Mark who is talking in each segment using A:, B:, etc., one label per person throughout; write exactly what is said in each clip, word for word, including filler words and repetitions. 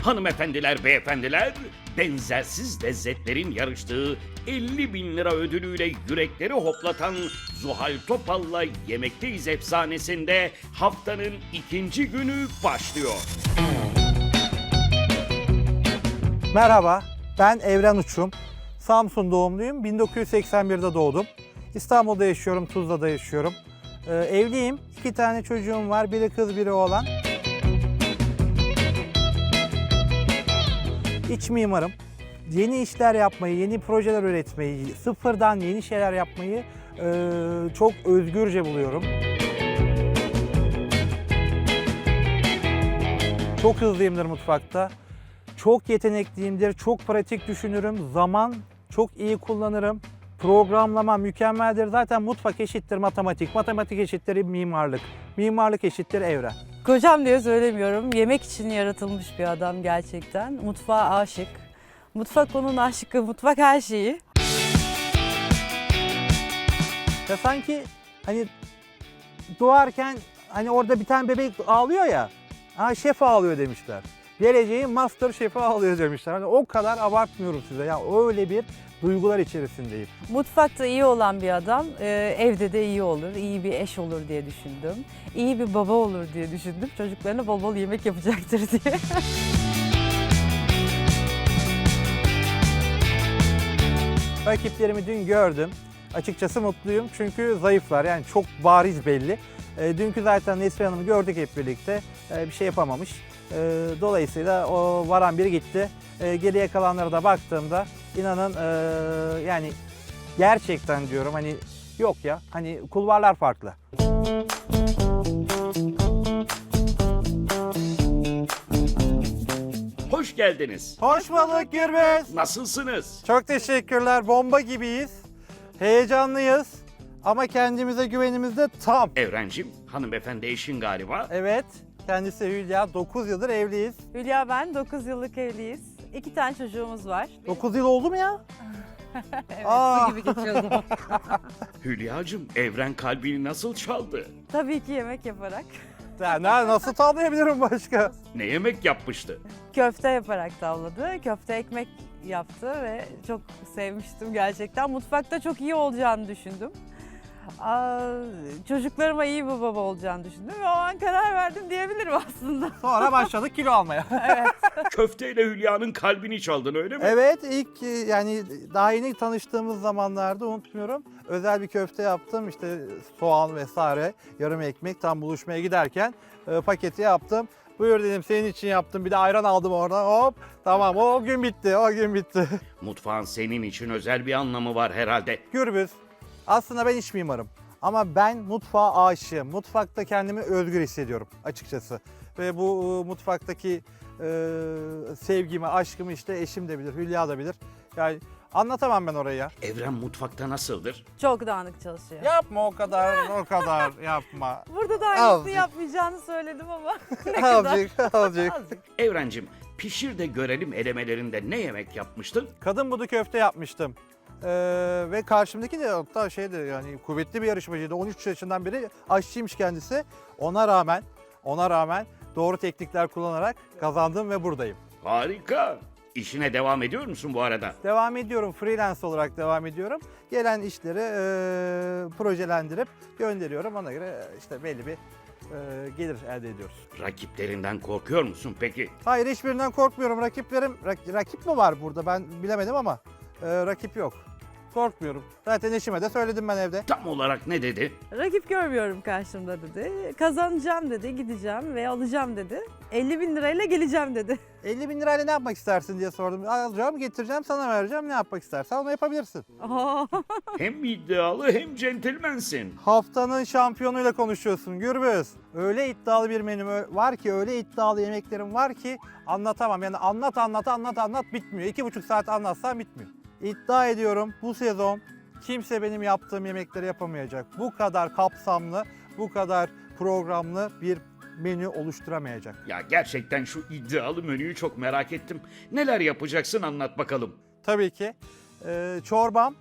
A: Hanımefendiler, beyefendiler, benzersiz lezzetlerin yarıştığı elli bin lira ödülüyle yürekleri hoplatan Zuhal Topal'la Yemekteyiz efsanesinde haftanın ikinci günü başlıyor.
B: Merhaba, ben Evren Uçum. Samsun doğumluyum. bin dokuz yüz seksen birde doğdum. İstanbul'da yaşıyorum, Tuzla'da yaşıyorum. Ee, evliyim. İki tane çocuğum var. Biri kız, biri oğlan. İç mimarım. Yeni işler yapmayı, yeni projeler üretmeyi, sıfırdan yeni şeyler yapmayı e, çok özgürce buluyorum. Çok hızlıyımdır mutfakta. Çok yetenekliyimdir, çok pratik düşünürüm, zaman çok iyi kullanırım. Programlama mükemmeldir. Zaten mutfak eşittir matematik, matematik eşittir mimarlık, mimarlık eşittir evren.
C: Kocam diye söylemiyorum. Yemek için yaratılmış bir adam gerçekten. Mutfağa aşık. Mutfak onun aşkı, mutfak her şeyi.
B: Ya sanki hani doğarken hani orada bir tane bebek ağlıyor ya, ha şef ağlıyor demişler. Geleceğin master şefi ağlıyor demişler. Hani o kadar abartmıyorum size. Ya öyle bir duygular içerisindeyim.
C: Mutfakta iyi olan bir adam e, evde de iyi olur, iyi bir eş olur diye düşündüm. İyi bir baba olur diye düşündüm. Çocuklarına bol bol yemek yapacaktır diye.
B: Rakiplerimi dün gördüm. Açıkçası mutluyum çünkü zayıflar. Yani çok bariz belli. E, dünkü zaten Neslihan Hanım'ı gördük hep birlikte. E, bir şey yapamamış. E, dolayısıyla o varan biri gitti. E, geriye kalanlara da baktığımda inanın e, yani gerçekten diyorum hani yok ya hani kulvarlar farklı.
A: Hoş geldiniz.
B: Hoş bulduk Gürbüz.
A: Nasılsınız?
B: Çok teşekkürler. Bomba gibiyiz. Heyecanlıyız. Ama kendimize güvenimiz de tam.
A: Evrencim, hanımefendi eşin galiba.
B: Evet. Kendisi Hülya. dokuz yıldır evliyiz.
C: Hülya ben dokuz yıllık evliyiz. İki tane çocuğumuz var.
B: dokuz yıl oldu mu ya?
C: Evet,
B: Aa.
C: bu gibi geçiyor zaman.
A: Hülyacığım, Evren kalbini nasıl çaldı?
C: Tabii ki yemek yaparak.
B: Ya ne- nasıl tavlayabilirim başka?
A: Ne yemek yapmıştı?
C: Köfte yaparak tavladı. Köfte ekmek yaptı ve çok sevmiştim gerçekten. Mutfakta çok iyi olacağını düşündüm. Aa, çocuklarıma iyi bir baba olacağını düşündüm ve o an karar verdim diyebilirim aslında.
B: Sonra başladık kilo almaya.
A: Köfteyle Hülya'nın kalbini çaldın öyle mi?
B: Evet, ilk e, yani daha yeni tanıştığımız zamanlarda unutmuyorum. Özel bir köfte yaptım. İşte soğan vesaire, yarım ekmek tam buluşmaya giderken e, paketi yaptım. Buyur dedim senin için yaptım. Bir de ayran aldım oradan. Hop tamam o gün bitti. O gün bitti.
A: Mutfağın senin için özel bir anlamı var herhalde.
B: Gürbüz. Aslında ben iç mimarım. Ama ben mutfağa aşığım. Mutfakta kendimi özgür hissediyorum açıkçası. Ve bu e, mutfaktaki e, sevgimi, aşkımı işte eşim de bilir, Hülya da bilir. Yani anlatamam ben orayı ya.
A: Evren mutfakta nasıldır?
C: Çok dağınık çalışıyor.
B: Yapma o kadar, o kadar yapma.
C: Burada da aynısını
B: Azıcık.
C: yapmayacağını söyledim ama ne kadar?
B: Azıcık, azıcık.
C: Azıcık.
A: Evrencim, pişir de görelim elemelerinde ne yemek yapmıştın?
B: Kadın budu köfte yapmıştım. Ee, ve karşımdaki de hatta şeydi yani kuvvetli bir yarışmacıydı. on üç yaşından beri aşçıymış kendisi. Ona rağmen, ona rağmen doğru teknikler kullanarak kazandım ve buradayım.
A: Harika. İşine devam ediyor musun bu arada?
B: Devam ediyorum, freelance olarak devam ediyorum. Gelen işleri e, projelendirip gönderiyorum. Ona göre işte belli bir e, gelir elde ediyoruz.
A: Rakiplerinden korkuyor musun peki?
B: Hayır hiçbirinden korkmuyorum. Rakiplerim, rak- rakip mi var burada ben bilemedim ama e, rakip yok. Korkmuyorum. Zaten eşime de söyledim ben evde.
A: Tam olarak ne dedi?
C: Rakip görmüyorum karşımda dedi. Kazanacağım dedi, gideceğim ve alacağım dedi. elli bin lirayla geleceğim dedi.
B: elli bin lirayla ne yapmak istersin diye sordum. Alacağım, getireceğim, sana vereceğim. Ne yapmak istersen onu yapabilirsin.
C: Aa,
A: Hem iddialı hem centilmensin.
B: Haftanın şampiyonuyla konuşuyorsun Gürbüz. Öyle iddialı bir menüm var ki, öyle iddialı yemeklerim var ki anlatamam. Yani anlat anlat anlat anlat bitmiyor. İki buçuk saat anlatsam bitmiyor. İddia ediyorum bu sezon kimse benim yaptığım yemekleri yapamayacak. Bu kadar kapsamlı, bu kadar programlı bir menü oluşturamayacak.
A: Ya gerçekten şu iddialı menüyü çok merak ettim. Neler yapacaksın anlat bakalım.
B: Tabii ki e, çorbam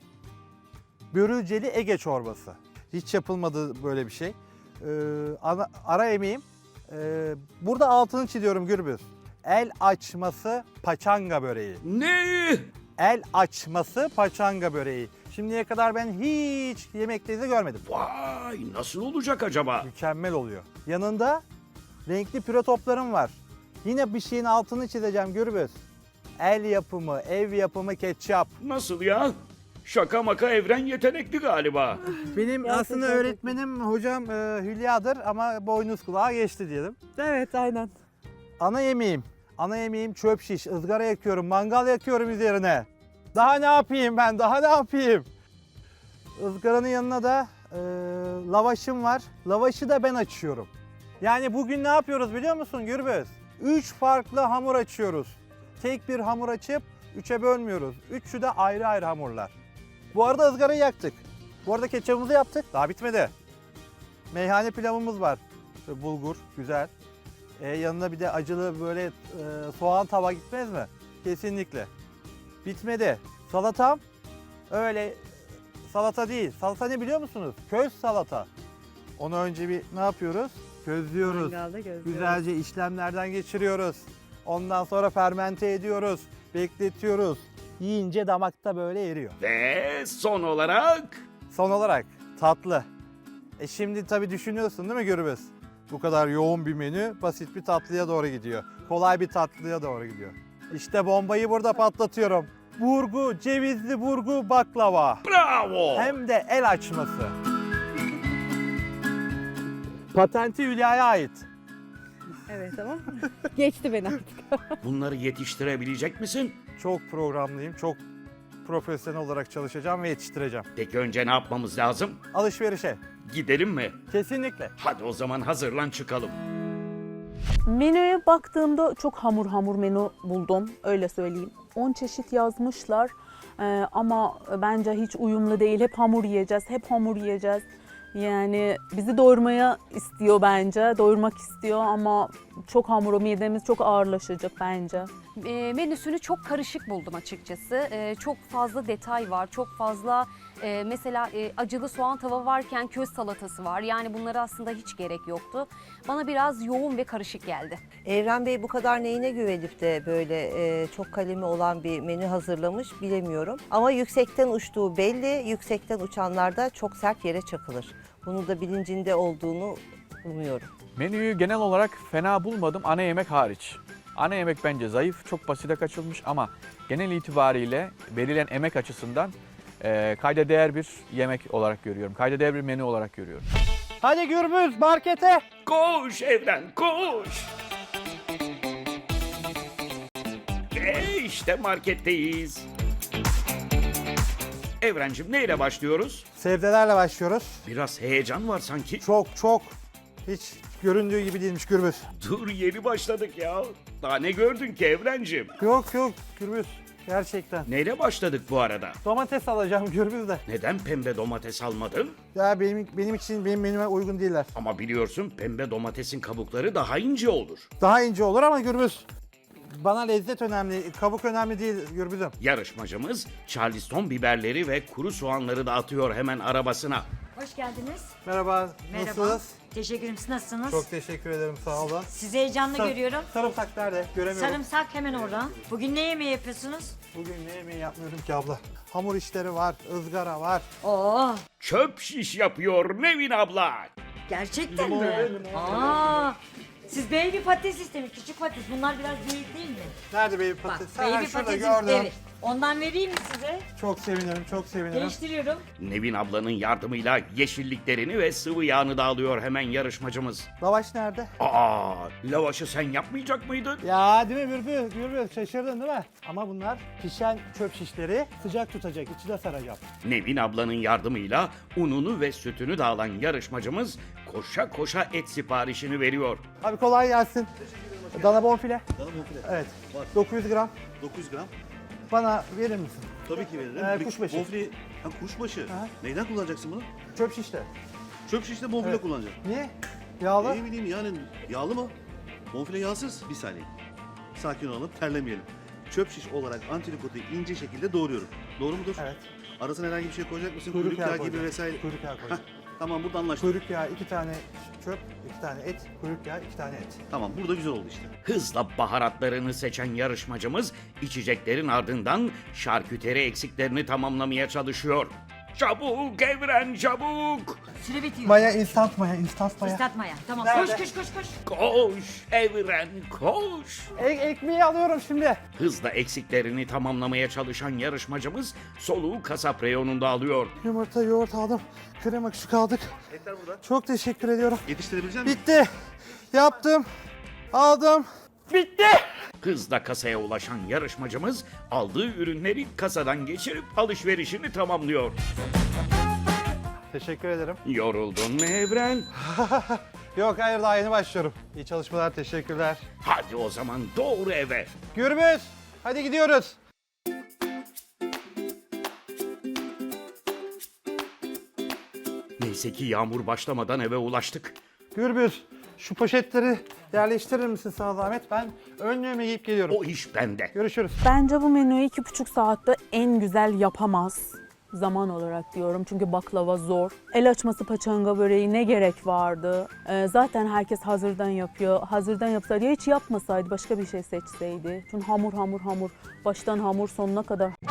B: börülceli Ege çorbası. Hiç yapılmadı böyle bir şey. E, ana, ara emeğim. E, burada altını çiziyorum Gürbüz. El açması paçanga böreği.
A: Ne?
B: El açması paçanga böreği. Şimdiye kadar ben hiç yemekteyse görmedim.
A: Vay, nasıl olacak acaba?
B: Mükemmel oluyor. Yanında renkli püre toplarım var. Yine bir şeyin altını çizeceğim Gürbüz. El yapımı, ev yapımı ketçap.
A: Nasıl ya? Şaka maka Evren yetenekli galiba.
B: Benim
C: Gerçekten
B: aslında
C: çok
B: öğretmenim hocam e, Hülya'dır ama boynuz kulağa geçti diyelim.
C: Evet, aynen.
B: Ana yemeğim, ana yemeğim çöp şiş, ızgara yakıyorum, mangal yakıyorum üzerine. Daha ne yapayım ben, daha ne yapayım? Izgaranın yanına da e, lavaşım var. Lavaşı da ben açıyorum. Yani bugün ne yapıyoruz biliyor musun Gürbüz? Üç farklı hamur açıyoruz. Tek bir hamur açıp üçe bölmüyoruz. Üçü de ayrı ayrı hamurlar. Bu arada ızgarayı yaktık. Bu arada ketçapımızı yaptık. Daha bitmedi. Meyhane pilavımız var. Böyle bulgur, güzel. E, yanına bir de acılı böyle e, soğan tava gitmez mi? Kesinlikle. Bitmedi. Salatam öyle salata değil. Salata ne biliyor musunuz? Köz salata. Onu önce bir ne yapıyoruz? Közlüyoruz.
C: Mangalda gözlüyoruz.
B: Güzelce işlemlerden geçiriyoruz. Ondan sonra fermente ediyoruz. Bekletiyoruz. Yiyince damakta böyle eriyor.
A: Ve son olarak...
B: Son olarak tatlı. E şimdi tabii düşünüyorsun değil mi Gürbüz? Bu kadar yoğun bir menü basit bir tatlıya doğru gidiyor. Kolay bir tatlıya doğru gidiyor. İşte bombayı burada patlatıyorum. Burgu, cevizli burgu baklava.
A: Bravo!
B: Hem de el açması. Patenti Hülya'ya ait.
C: Evet ama geçti beni artık.
A: Bunları yetiştirebilecek misin?
B: Çok programlıyım, çok profesyonel olarak çalışacağım ve yetiştireceğim.
A: Peki önce ne yapmamız lazım?
B: Alışverişe.
A: Gidelim mi?
B: Kesinlikle.
A: Hadi o zaman hazırlan çıkalım.
D: Menüye baktığımda çok hamur hamur menü buldum, öyle söyleyeyim. on çeşit yazmışlar Ee, ama bence hiç uyumlu değil. Hep hamur yiyeceğiz, hep hamur yiyeceğiz. Yani bizi doyurmaya istiyor bence, doyurmak istiyor ama çok hamur, midemiz çok ağırlaşacak bence.
E: E, menüsünü çok karışık buldum açıkçası. E, çok fazla detay var, çok fazla e, mesela e, acılı soğan tava varken köz salatası var. Yani bunlara aslında hiç gerek yoktu. Bana biraz yoğun ve karışık geldi.
F: Evren Bey bu kadar neyine güvenip de böyle e, çok kalemi olan bir menü hazırlamış bilemiyorum. Ama yüksekten uçtuğu belli, yüksekten uçanlar da çok sert yere çakılır. Bunu da bilincinde olduğunu umuyorum.
G: Menüyü genel olarak fena bulmadım ana yemek hariç. Ana yemek bence zayıf, çok basite kaçılmış ama genel itibariyle verilen emek açısından e, kayda değer bir yemek olarak görüyorum. Kayda değer bir menü olarak görüyorum.
B: Hadi Gürbüz markete.
A: Koş Evren, koş! Ve işte marketteyiz. Evrencim neyle başlıyoruz?
B: Sebzelerle başlıyoruz.
A: Biraz heyecan var sanki.
B: Çok çok hiç göründüğü gibi değilmiş Gürbüz.
A: Dur yeni başladık ya. Daha ne gördün ki Evrencim?
B: Yok yok Gürbüz gerçekten.
A: Neyle başladık bu arada?
B: Domates alacağım Gürbüz de.
A: Neden pembe domates almadın?
B: Ya benim benim için benim menüme uygun değiller.
A: Ama biliyorsun pembe domatesin kabukları daha ince olur.
B: Daha ince olur ama Gürbüz. Bana lezzet önemli, kabuk önemli değil Gürbüz'üm.
A: Yarışmacımız Charleston biberleri ve kuru soğanları da atıyor hemen arabasına.
H: Hoş geldiniz.
B: Merhaba,
H: Merhaba.
B: nasılsınız?
H: Teşekkür ederim. Siz nasılsınız?
B: Çok teşekkür ederim, sağ olun.
H: Sizi heyecanla
B: Sar-
H: görüyorum.
B: Sarımsak nerede? Göremiyorum.
H: Sarımsak hemen oradan. Bugün ne yemeği yapıyorsunuz?
B: Bugün ne yemeği yapmıyorum ki abla. Hamur işleri var, ızgara var.
H: Oo,
A: Çöp şiş yapıyor Nevin abla.
H: gerçekten mi? Aa, siz baby patates istemiş, küçük patates. Bunlar biraz büyük değil mi?
B: Nerede baby
H: Bak,
B: patates? Ha,
H: baby
B: şurada
H: patates
B: gördüm.
H: evet. Ondan vereyim mi size?
B: Çok sevinirim, çok sevinirim.
H: Değiştiriyorum.
A: Nevin ablanın yardımıyla yeşilliklerini ve sıvı yağını da alıyor hemen yarışmacımız.
B: Lavaş nerede?
A: Aa, lavaşı sen yapmayacak mıydın?
B: Ya değil mi Gürbüz? Gürbüz şaşırdın değil mi? Ama bunlar pişen çöp şişleri sıcak tutacak, içine saracağım.
A: Nevin ablanın yardımıyla ununu ve sütünü de alan yarışmacımız koşa koşa et siparişini veriyor.
B: Abi kolay gelsin. Dana bonfile.
I: Dana bonfile.
B: Evet.
I: Var.
B: dokuz yüz gram.
I: dokuz yüz gram.
B: Bana verir misin?
I: Tabii ki veririm.
B: Ee,
I: Bir
B: kuşbaşı.
I: Bonfile, ha, kuşbaşı.
B: Aha.
I: Neyden kullanacaksın bunu?
B: Çöp şişte.
I: Çöp şişte bonfile
B: Evet.
I: kullanacaksın.
B: Niye? Yağlı.
I: Ne bileyim yani yağlı mı? Bonfile yağsız. Bir saniye. Sakin olalım, terlemeyelim. Çöp şiş olarak antrikotu ince şekilde doğruyorum. Doğru mudur?
B: Evet.
I: Arasına herhangi bir şey koyacak mısın?
B: Kuyruk
I: Kuyruk
B: yağı
I: yağı gibi
B: koyacağım.
I: vesaire.
B: Kuyruk yağı koyacağım.
I: Tamam burada anlaştık.
B: Kuyruk yağı iki tane çöp, iki tane et, kuyruk yağı iki tane et.
I: Tamam burada güzel oldu işte.
A: Hızla baharatlarını seçen yarışmacımız içeceklerin ardından şarküteri eksiklerini tamamlamaya çalışıyor. Çabuk Evren çabuk!
H: Süre bitiyor.
B: Maya, instant maya, instant maya.
H: Islatmaya. Tamam.
B: Nerede?
H: Koş koş koş koş.
A: Koş Evren koş!
B: E- ekmeği alıyorum şimdi.
A: Hızla eksiklerini tamamlamaya çalışan yarışmacımız soluğu kasap reyonunda alıyor.
B: Yumurta, yoğurt aldım. Krema küçük aldık.
I: Etler burada.
B: Çok teşekkür ediyorum.
I: Yetiştirebilecek misin?
B: Bitti. Yaptım. Aldım. Bitti.
A: Hızla kasaya ulaşan yarışmacımız aldığı ürünleri kasadan geçirip alışverişini tamamlıyor.
B: Teşekkür ederim.
A: Yoruldun mu Evren?
B: Yok hayır daha yeni başlıyorum. İyi çalışmalar, teşekkürler.
A: Hadi o zaman doğru eve.
B: Gürbüz, hadi gidiyoruz.
A: Neyse ki yağmur başlamadan eve ulaştık.
B: Gürbüz, şu poşetleri yerleştirir misin sana zahmet? Ben önlüğümü giyip geliyorum.
A: O iş bende.
B: Görüşürüz.
D: Bence bu menüyü iki buçuk saatte en güzel yapamaz. Zaman olarak diyorum çünkü baklava zor. El açması paçanga böreği ne gerek vardı? Ee, zaten herkes hazırdan yapıyor. Hazırdan yapsaydı ya hiç yapmasaydı başka bir şey seçseydi. Çünkü hamur hamur hamur. Baştan hamur sonuna kadar